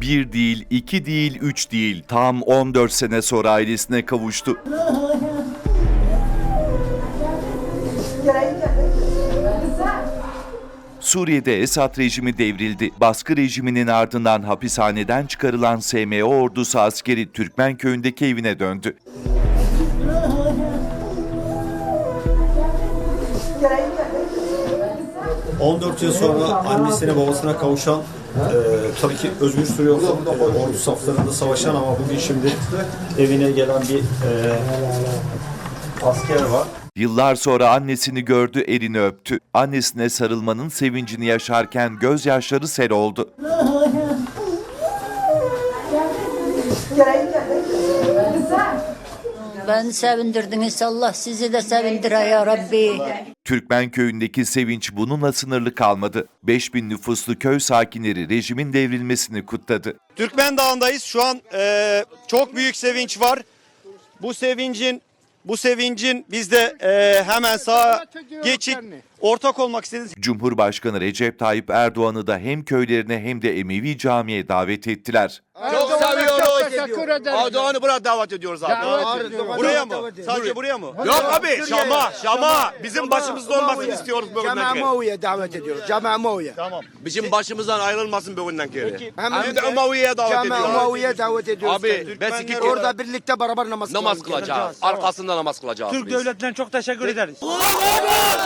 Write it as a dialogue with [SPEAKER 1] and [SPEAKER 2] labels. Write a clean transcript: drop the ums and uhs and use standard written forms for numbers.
[SPEAKER 1] Bir değil, iki değil, üç değil. Tam 14 sene sonra ailesine kavuştu. Suriye'de Esad rejimi devrildi. Baskı rejiminin ardından hapishaneden çıkarılan SMO ordusu askeri Türkmenköy'ündeki evine döndü.
[SPEAKER 2] ...14 yıl sonra annesine babasına kavuşan, tabii ki Özgür Suriye ordu saflarında savaşan ama bugün şimdi evine gelen bir asker var.
[SPEAKER 1] Yıllar sonra annesini gördü, elini öptü. Annesine sarılmanın sevincini yaşarken gözyaşları sel oldu.
[SPEAKER 3] Beni sevindirdiniz. Allah sizi de sevindir ya Rabbi.
[SPEAKER 1] Türkmenköy'ündeki sevinç bununla sınırlı kalmadı. 5000 nüfuslu köy sakinleri rejimin devrilmesini kutladı.
[SPEAKER 4] Türkmen Dağı'ndayız. Şu an çok büyük sevinç var. Bu sevincin biz de hemen sağa geçip ortak olmak istediğiniz.
[SPEAKER 1] Cumhurbaşkanı Recep Tayyip Erdoğan'ı da hem köylerine hem de Emevi Camii'ye davet ettiler.
[SPEAKER 5] Çok seviyoruz.
[SPEAKER 6] Teşekkür ederim.
[SPEAKER 5] Erdoğan'ı buraya davet ediyoruz abi.
[SPEAKER 4] Buraya mı? Sadece buraya mı?
[SPEAKER 5] Yok abi Şam'a bizim başımızda olmasını istiyoruz bugünden
[SPEAKER 6] Cema'a
[SPEAKER 5] beri.
[SPEAKER 6] Maviye davet ediyoruz. Cema'a Maviye.
[SPEAKER 4] Tamam.
[SPEAKER 5] Bizim başımızdan ayrılmasın bugünden beri.
[SPEAKER 4] Peki.
[SPEAKER 5] Hem de Umaviye'ye davet
[SPEAKER 6] Cema'a
[SPEAKER 5] ediyoruz.
[SPEAKER 6] Maviye davet ediyoruz.
[SPEAKER 5] Abi ben iki
[SPEAKER 6] Orada birlikte beraber namaz
[SPEAKER 5] namaz kılacağız. Arkasında namaz kılacağız
[SPEAKER 7] Türk
[SPEAKER 5] biz.
[SPEAKER 7] devletlerine çok teşekkür ederiz.
[SPEAKER 5] Allahu Ekber!